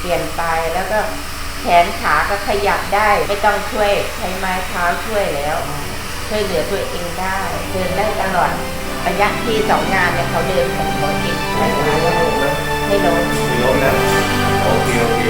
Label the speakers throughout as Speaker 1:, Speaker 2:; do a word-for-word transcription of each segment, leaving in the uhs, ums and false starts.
Speaker 1: ลี่ยนไปแล้วก็แขนขาก็ขยับได้ไม่ต้องช่วยใช้ไม้เท้าช่วยแล้วช่วยเหลือตัวเองได้เดินได้ตลอดระยะที่สองงานเนี่ยเขาเดินของเขาเองไม่ล้มไม่ล้ม
Speaker 2: ไม่ล้มนะโอเคโอเค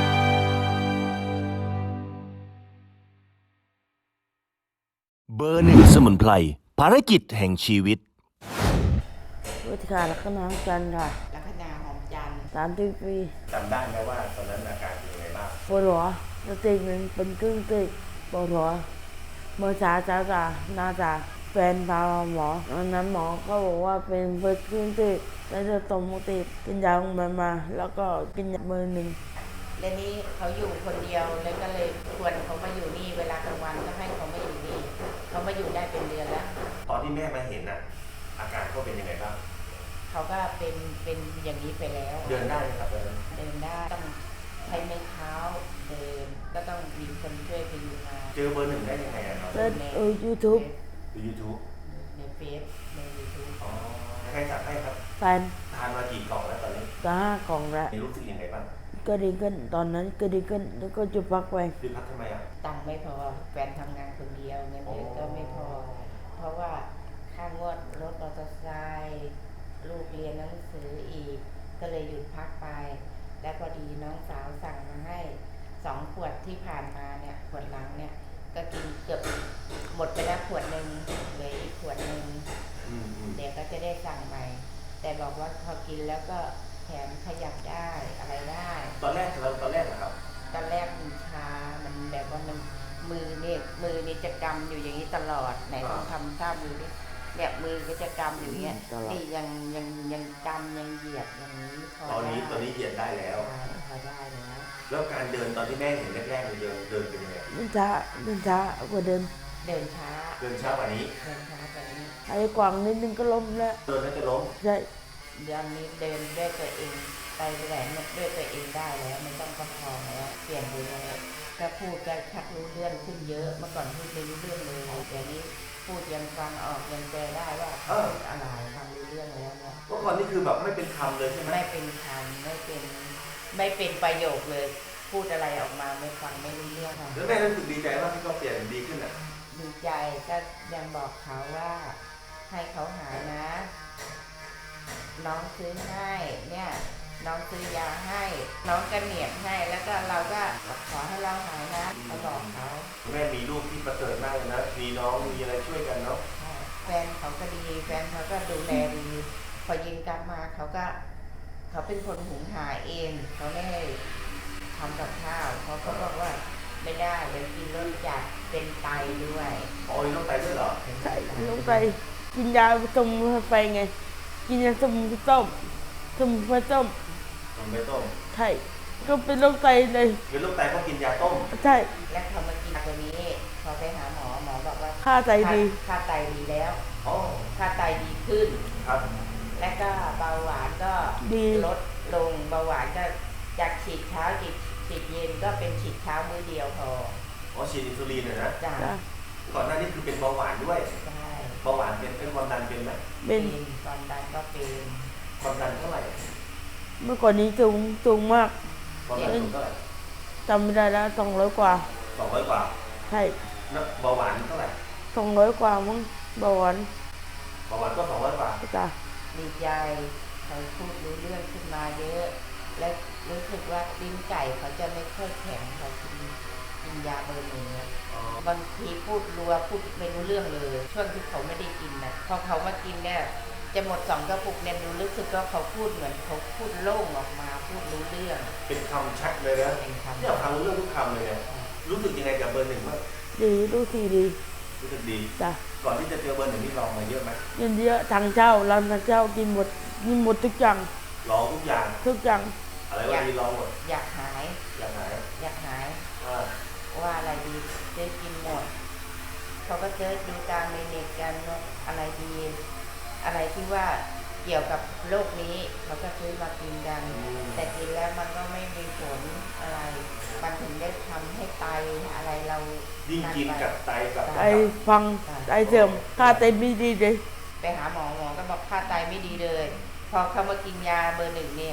Speaker 3: เบอร์หนึ่งสมุนไพรภารกิจแห่งชีวิต
Speaker 4: วิทยาลักษณะจันทร์ค่ะ
Speaker 1: ลัคนาหอมจันทร์
Speaker 4: สามสิบปี
Speaker 2: จำได้ไหมว่าตอนนั้นอาการเป็นยังไงบ้าง
Speaker 4: ปวดหัวสติมันเป็นครึ่งติดปวดหัวเมื่อเช้าจ้าจ้าน่าจะแฟนพาหมอตอนนั้นหมอก็บอกว่าเป็นเบอร์ครึ่งติดแล้วจะตมติดกินยาลงมามาแล้วก็กินยามือหนึ่ง
Speaker 1: และนี้เขาอยู่คนเดียวแล้วก็เลยชวนเขามาอยู่นี่เวลากลางวันก็ให้เขามาอยู่นี่เขามาอยู่ได้เป็นเดือนแล้ว
Speaker 2: ตอนที่แม่มาเห็นน่ะอาการเขาเป็นยังไงบ้าง
Speaker 1: เขาก็เป็นเป็นอย่างนี้ไปแล้ว
Speaker 2: เดินได้ไหมครับเดิน
Speaker 1: เดินได้ต้องใช้ไม้เท้าเดินก็ต้องมีคนช่วยพยุงมา
Speaker 2: เจอเบอร์หนึ่งได้ยังไงอ่ะครับ
Speaker 4: ในยูทูบ
Speaker 2: ในยูทูบ
Speaker 1: ในเฟซในยูทูบ
Speaker 2: อ๋อใครจัดให้ครับ
Speaker 4: แฟน
Speaker 2: ทานมากี่กล่องแล้วตอนนี้
Speaker 4: ก็ห้ากล่องแล้ว
Speaker 2: รู้สึกยังไงบ้าง
Speaker 4: ก็ดีขึ้นตอนนั้นก็ดีขึ้นแล้วก็จะพักไป
Speaker 2: หยุดพักทำไมอ่ะ
Speaker 1: ตังค์ไม่พอแฟนทำงานคนเดียวเงินเดือนก็ไม่พอเพราะว่าค่างวดรถมอเตอร์ไซค์ลูกเรียนหนังสืออีกก็เลยหยุดพักไปและพอดีน้องสาวสั่งมาให้สองขวดที่ผ่านมาเนี่ยขวดหลังเนี่ยก็กินเกือบหมดไปแล้วขวดหนึ่งเหลืออีกขวดหนึ่งเดี๋ยวก็จะได้สั่งใหม่แต่บอกว่าพอกินแล้วก็แขนขยับได้อะไรได้
Speaker 2: ตอนแรกเราตอนแรกนะครับ
Speaker 1: ตอนแรกมันชามันแบบว่ามันมือเนี่ยมือนี่จะกำอยู่อย่างนี้ตลอดไหนต้องทำท่ามือดิเนี่ยมือก็จะกำอยู่เงี้ยนี่ยังยังยังกำยังเหยียดอย่างนี้
Speaker 2: พอตอนนี้ตอนนี้เหยียดได้แล้ว
Speaker 1: พอได้แล้ว
Speaker 2: แล้วการเดินตอนที่แม่เห็นแรกๆเดินเดินเป็นยังไง
Speaker 4: เดินช้าเดินช้ากว่าเดิน
Speaker 1: เดินช้า
Speaker 2: เดินช้ากว่านี้
Speaker 1: เดินช้ากว่านี้
Speaker 4: ไอ้กวางนิดนึงก็ล้มแล้ว
Speaker 2: เดินแล้วจะล้ม
Speaker 4: ใช่
Speaker 1: เดี๋ยวนี้เดินด้วยตัวเองไปแหวนด้วยตัวเองได้แล้วไม่ต้องประคองแล้วเปลี่ยนไปแล้วก็พูดก็ชักรู้เรื่องขึ้นเยอะเมื่อก่อนพูดไม่รู้เรื่องเลยแต่นี้พูดยังฟังออกยังแปลได้ว่าเอออะไรทำรู้เรื่องแล้วเนี่ย
Speaker 2: เมื่อก่อนนี่คือแบบไม่เป็นคำเลยใช่ไหม
Speaker 1: ไม่เป็นคำไม่เป็นไม่เป็นประโยคเลยพูดอะไรออกมาไม่ฟังไม่รู้เรื่อง
Speaker 2: แล้วแม่รู้สึกดีใจว่าที่เขาเปลี่ยนดีขึ้นอ่ะ
Speaker 1: ดีใจก็ยังบอกเขาว่าให้เขาหายนะน้องซื้อให้เนี่ยน้องซื้อยาให้น้องกระเหนียบให้แล้วก็เราก็ขอให้เราหายนะเขาบอกเขา
Speaker 2: แม่มีลูกที่ประเสริฐมากเลยนะมีน้องมีอะไรช่วยกันเนาะ
Speaker 1: แฟนเขาก็ดีแฟนเขาก็ดูแลดีพอยิงกลับมาเขาก็เขาเป็นคนหุงหาเองเขาไม่ให้ทำกับข้าวเขาก็บอกว่าไม่ได้เดี๋ยวกินรสจัดเป็นไตด้วย
Speaker 2: อ๋อมีโรคไตด้วยเหรอ
Speaker 4: ใช่โรคไตกินยาสมุนไพรไงกินยาสมุนไพรต้มสมุนไพรต้ม
Speaker 2: สมุนไพรต้ม
Speaker 4: ใช่ก็เป็นโรคไตเลย
Speaker 2: เป็นโรคไตก็กินยาต้ม
Speaker 4: ใช่
Speaker 1: แล้วพอมากินตัวนี้พอไปหาหมอหมอบอกว่า
Speaker 4: ค่าไตดี
Speaker 1: ค่าไตดีแล้วค่าไตดีขึ้น
Speaker 2: ครับ
Speaker 1: และก็เบาหวานก็ลดลงเบาหวานก็จากฉีดเช้าฉีดฉีดเย็นก็เป็นฉีดเช้ามื้อเดียวพอ
Speaker 2: อ๋อฉีดอินซูลินนะ
Speaker 1: จ้ะ
Speaker 2: ก่อนหน้านี้คือเป็นเบาหวานด้วย
Speaker 1: ใช่
Speaker 2: เบาหวานเป็นเป็นความดันเป็นไหม
Speaker 1: เป็นความดันก็เป็น
Speaker 2: ความดันเท่าไหร่
Speaker 4: เมื่อก่อนนี้สูงสูงมาก
Speaker 2: ความดันสูงเท่าไหร่
Speaker 4: จำไม่ได้แล้วสองร้อยกว่า
Speaker 2: สองร้อยกว่า
Speaker 4: ใช่
Speaker 2: เบาหวานเท่าไหร่
Speaker 4: สองร้อยกว่ามั้งเบาหวาน
Speaker 2: เบาหวานก็สองร้อยกว่า
Speaker 4: จ้ะ
Speaker 1: ดีใจเขาพูดรู้เรื่องขึ้นมาเยอะและรู้สึกว่าลิ้นไก่เขาจะไม่ค่อยแข็งเขากินกินยาเบอร์หนึ่งบางทีพูดรัวพูดไม่รู้เรื่องเลยช่วงที่เขาไม่ได้กินนะพอเขามากินเนี่ยจะหมดสองกระปุกเนี่ยรู้สึกว่าเขาพูดเหมือนเขาพูดโล่งออกมาพูดรู้เรื่อง
Speaker 2: เป็นคำชัดเลยนะที่เราฟังรู้เรื่องทุกคำเลยเนี่ยรู้สึกยังไงกับเบอร์หนึ่งบ้าง
Speaker 4: ดีรู้สึกดี
Speaker 2: รู้สึกดี
Speaker 4: จ้ะ
Speaker 2: ก่อนที่จะเจอเบอร์หนึ่งนี่ลองมาเยอะไหม
Speaker 4: เยอะเยอะทางเจ้าร้านทางเจ้ากินหมดกินหมดทุกอย่าง
Speaker 2: ลองทุกอย่าง
Speaker 4: ทุกอย่าง
Speaker 2: อะไรว่าดีลองหมด
Speaker 1: อยากหาย
Speaker 2: อยากหาย
Speaker 1: อยากหายว่าอะไรดีเจ๊กินหมดเขาก็เจอดูตามในเน็ตกันว่าอะไรดีอะไรที่ว่าเกี่ยวกับโรคนี้เขาก็ซื้อมากินกันแต่กินแล้วมันก็ไม่มีผลอะไรมันถึงได้ทำให้ไตอะไรเรา
Speaker 2: ยิ่งกินกับไตกับ
Speaker 4: ไตฟังไตเสื่อมค่าไตไม่ดีเลย
Speaker 1: ไปหาหมอหมอก็บอกค่าไตไม่ดีเลยพอเขามากินยาเบอร์หนึ่งเนี่ยไป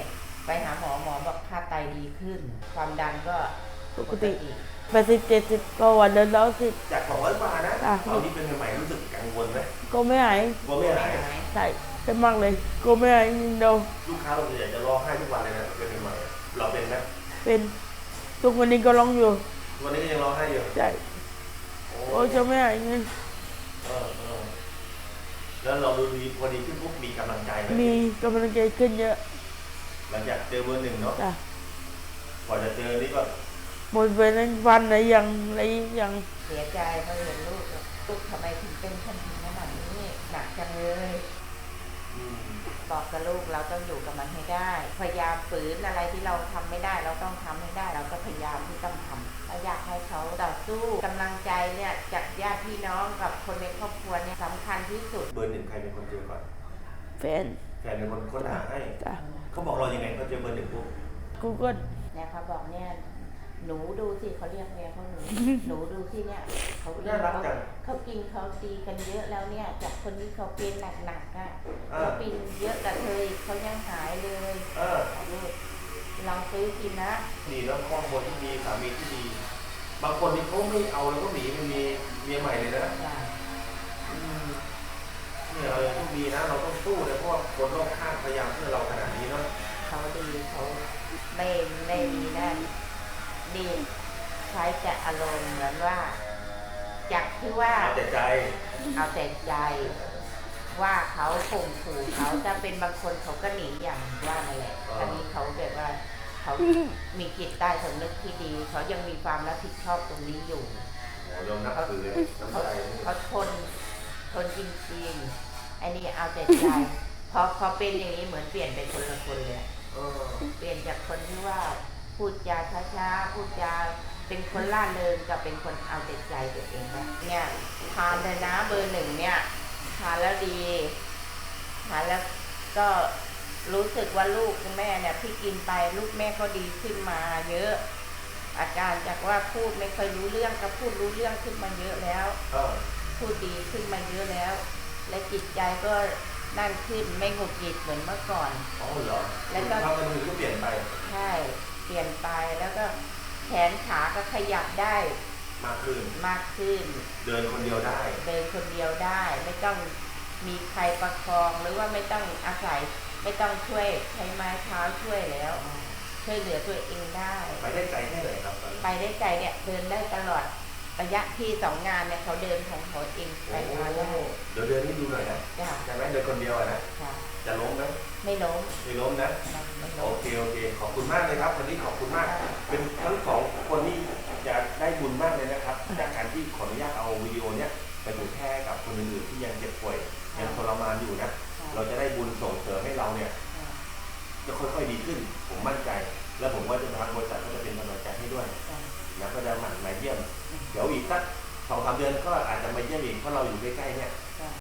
Speaker 1: ไปหาหมอหมอบอกค่าไตดีขึ้น ความดันก็
Speaker 4: ปกติแปดสิบเจ็ดสิบก็วันเดินร้อยสิบ
Speaker 2: จากสองร้อยกว่านะ
Speaker 4: อ่ะ
Speaker 2: ตอนนี้เป็นใหม่ๆรู้สึกกังวลไหม
Speaker 4: ก็ไม่หาย
Speaker 2: กลัวไม่หาย
Speaker 4: ใช่ใช่มากเลยก็ไม่หายนิดเดียว
Speaker 2: ลูกค้าเราส่วนใหญ่จะร้องไห้ทุกวันเลยนะเป็นใหม่ๆเราเป็นไหม
Speaker 4: เป็นทุกวันนี้ก็ร้องอยู่
Speaker 2: วันนี้ก็ยังร้องไห้อยู่
Speaker 4: ใช่
Speaker 2: โอ้
Speaker 4: โอ้ยจะไม่หายไง
Speaker 2: เออเออแล้วเราดูดีพอดีขึ้นปุ๊บมีกำลังใจไหม
Speaker 4: มีกำลังใจขึ้นเยอะ
Speaker 2: หลังจากเจอเบอร์หนึ่งเนาะ
Speaker 4: จ้ะ
Speaker 2: กว่าจะเจอนี่ก็
Speaker 4: หมดไปนั้นวันไหนยังอะไรยัง
Speaker 1: เสียใจเพราะเห็นลูกลูกทำไมถึงเป็นคนถึงขนาดนี้หนักจังเลย
Speaker 2: อืม
Speaker 1: บอกกับลูกเราต้องอยู่กับมันให้ได้ พยายามฝืนอะไรที่เราทำไม่ได้ เราต้องทำให้ได้ เราก็พยายามที่ต้องทำเราอยากให้เขาต่อสู้กำลังใจเนี่ยจากญาติพี่น้องกับคนในครอบครัวเนี่ยสำคัญที่สุด
Speaker 2: เบอร์หนึ่งใครเป็นคนเจอก่อน
Speaker 4: แฟน
Speaker 2: แฟนเป็นคนค้นหาให้
Speaker 4: จ้ะ
Speaker 2: เขาบอกเรายังไงเขาเจอเบอร์หนึ่งปุ๊บ
Speaker 4: กูก็
Speaker 1: เนี่ยเขาบอกเนี่ยหนูดูสิเขาเรียกเมียเขาหนู หนูดูสิเนี่ยเขากิน
Speaker 2: น่ารัก
Speaker 1: เขา
Speaker 2: จัง
Speaker 1: เขากินเขาตีกันเยอะแล้วเนี่ยจากคนที่เขาเป็นหนักๆอ่ะ
Speaker 2: อ่า
Speaker 1: เขาเป็นเยอะแต่เธอเขายังหายเลย
Speaker 2: เออ
Speaker 1: ลูกลองซื้อกินนะ
Speaker 2: ดีแล้วครอบครัวที่ดีสามีที่ดี บางคนที่เขาไม่เอาแล้วก็หนีไปมีเมียใหม่เลยนะ
Speaker 1: จ้ะ
Speaker 2: อืมเนี่ยเรายังต้องดีนะ เราต้องสู้เลยเพราะว่าคนรอบข้างพยายามเพื่อเราขนาดนี้เนาะ
Speaker 1: เขาดีเขาไม่ไม่มีนั่นดีใช้แต่อารมณ์เหมือนว่าจากที่ว่า
Speaker 2: เอาแต่ใจ
Speaker 1: เอาแต่ใจว่าเขาข่มขู่เขาจะเป็นบางคนเขาก็หนีอย่างว่านั่นแหละ
Speaker 2: อ่า
Speaker 1: อันนี้เขาแบบว่าเขามีจิตใต้สำนึกที่ดี เขายังมีความรับผิดชอบตรงนี้อยู่
Speaker 2: โอ้ยอมนับถือน้ำ
Speaker 1: เขา
Speaker 2: ใจ
Speaker 1: เขาทนทนจริงๆอันนี้เอาแต่ใจ พอพอเป็นอย่างนี้เหมือนเปลี่ยนเป็นคนละคนเลยอะ
Speaker 2: เออ
Speaker 1: เปลี่ยนจากคนที่ว่าพูดจาช้าๆพูดจาเป็นคนล่าเริงกับเป็นคนเอาแต่ใจตัวเองนะเนี่ยทานเลยนะเบอร์หนึ่งเนี่ยทานแล้วดีทานแล้วก็รู้สึกว่าลูกแม่เนี่ยที่กินไปลูกแม่ก็ดีขึ้นมาเยอะ อาการจากว่าพูดไม่ค่อยรู้เรื่องก็พูดรู้เรื่องขึ้นมาเยอะแล้ว
Speaker 2: เออ
Speaker 1: พูดดีขึ้นมาเยอะแล้ว และจิตใจก็นั่นขึ้นไม่หงุดหงิดเหมือนเมื่อก่อน
Speaker 2: อ๋อเหรอ
Speaker 1: แล้วก็
Speaker 2: ทำกันมือก็เปลี่ยนไป
Speaker 1: ใช่เปลี่ยนไปแล้วก็แขนขาก็ขยับได้
Speaker 2: มากขึ้น
Speaker 1: มากขึ้น
Speaker 2: เดินคนเดียวได้
Speaker 1: เดินคนเดียวได้ ไม่ต้องมีใครประคองหรือว่าไม่ต้องอาศัยไม่ต้องช่วยใช้ไม้เท้าช่วยแล้ว ช่วยเหลือตัวเองได้
Speaker 2: ไปได้ไกลแค่ไหนครับตอนนี้
Speaker 1: ไปได้ไกลเนี่ยเดินได้ตลอดระยะที่สองงานเนี่ยเขาเดินของเขาเองไปมาได้
Speaker 2: เดี๋ยวเดินให้ดูหน่อยนะ
Speaker 1: จ้ะ
Speaker 2: ใช่ไหมเดินคนเดียวอะนะ
Speaker 1: ค่ะ
Speaker 2: จะล้มไหม
Speaker 1: ไม่ล้ม
Speaker 2: ไม่ล้มนะ
Speaker 1: ไม่
Speaker 2: โอ
Speaker 1: ล้ม
Speaker 2: เคโอเค ขอบคุณมากเลยครับวันนี้ขอบคุณมาก เป็นทั้งสองคนนี่จะได้บุญมากเลยนะครับจากการที่ขออนุญาตเอาวิดีโอเนี้ยไปเผยแพร่กับคนอื่นๆที่ยังเจ็บป่วยยังทรมานอยู่นะ เราจะได้บุญส่งเสริมให้เราเนี่ยจะค่อยๆดีขึ้น ผมมั่นใจ และผมว่าทางบริษัทก็จะเป็นกำลังใจให้ด้วยนะก็จะหมั่นมาเยี่ยม เดี๋ยวอีกสักสองสามเดือนก็อาจจะมาเยี่ยมอีกเพราะเราอยู่ใกล้ๆเนี่ย
Speaker 1: จ้ะ